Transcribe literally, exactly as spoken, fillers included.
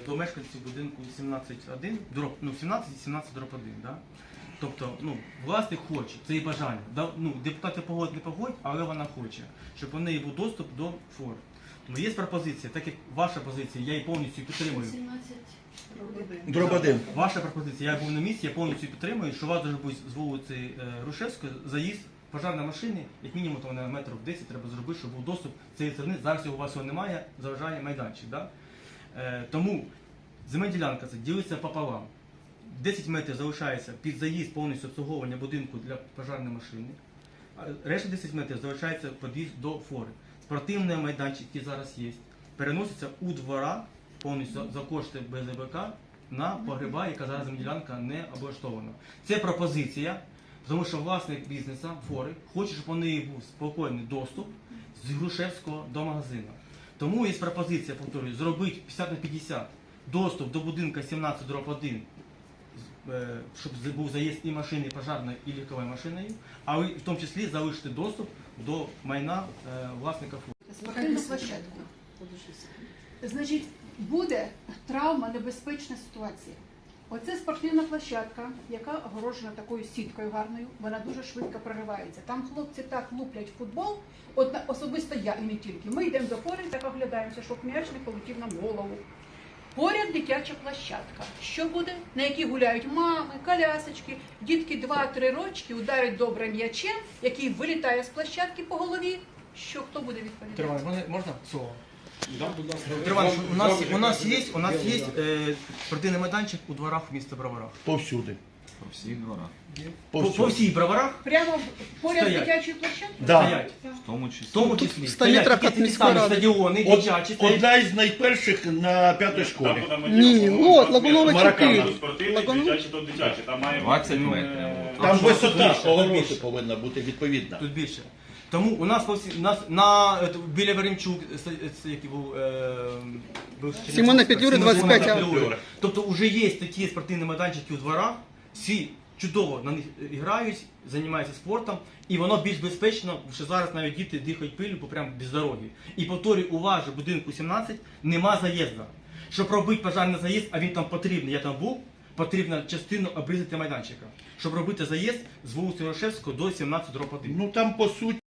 до мешканців будинку сімнадцять один, ну, сімнадцять і сімнадцять дроб один. Да? Тобто, ну, власник хоче, це і бажання. Да, ну, депутати погодять, не погодять, але вона хоче, щоб у неї був доступ до фор. Тому є пропозиція, так як ваша позиція, я її повністю підтримую. Дроб один. Ваша пропозиція, я був на місці, я повністю підтримую, що у вас дуже буде з вулиці Грушевської заїзд пожежної машини, як мінімум то на метрів десять треба зробити, щоб був доступ з цієї сторони. Зараз його у вас його немає, заважає майданчик. Да? Е, тому земельна ділянка це ділиться пополам. десять метрів залишається під заїзд повністю обслуговування будинку для пожежної машини. А решта десять метрів залишається під'їзд до фори. Спортивний майданчик, який зараз є, переноситься у двора повністю за кошти Б З Б К на погреба, яка зараз земельна ділянка не облаштована. Це пропозиція, тому що власник бізнесу, фори, хоче, щоб у неї був спокійний доступ з Грушевського до магазину. Тому є пропозиція, повторюю, зробити п'ятдесят на п'ятдесят доступ до будинку сімнадцять дроб один, щоб був заїзд і машини, і пожежної, і легкової машиною, а в тому числі залишити доступ до майна власника фори. Спортивну площадку. Значить, буде травма, небезпечна ситуація. Оце спортивна площадка, яка огорожена такою сіткою гарною, вона дуже швидко проривається. Там хлопці так луплять футбол, от особисто я і не тільки. Ми йдемо до фори, так оглядаємося, щоб м'яч не полетів нам в голову. Поряд дитяча площадка. Що буде? На якій гуляють мами, колясочки, дітки два-три рочки ударять добре м'ячем, який вилітає з площадки по голові. Що хто буде відповідати? Тривай, можна слово? Да, будь ласка. Тривай, у нас, у нас є, у нас є е, спортивний майданчик у дворах міста Броварах. Повсюди. По всіх дворах. По, по всіх Броварах Прямо поряд Стоять. дитячої площадки? Да. стоять. В тому числі. В тому числі сто метрів стоять від такі міської самі ради. стадіони, Од- дитячі. стоять. Одна із найперших на п'ятій школі. Ні, от, Лагунова Маракана. чотири. Спортивний, Лагунова. дитячий, то дитячий. Там має двадцять бути, метрів. е, Там що, висота більше, огорожі більше. повинна бути відповідна. Тут більше. Тому у нас по всі, у нас на е, біля Веремчук, е, е, який був, е, був Симона Петлюри, Симона двадцять п'ять. Петлюри. Тобто вже є такі спортивні майданчики у дворах, всі чудово на них грають, займаються спортом, і воно більш безпечно, що зараз навіть діти дихають пилю по прямо без дороги. І повторюю, у вас же будинку сімнадцять нема заїзду. Щоб робити пожежний заїзд, а він там потрібний, я там був, потрібно частину обрізати майданчика, щоб робити заїзд з вулиці Грушевського до сімнадцять дроб один. Ну там по суті.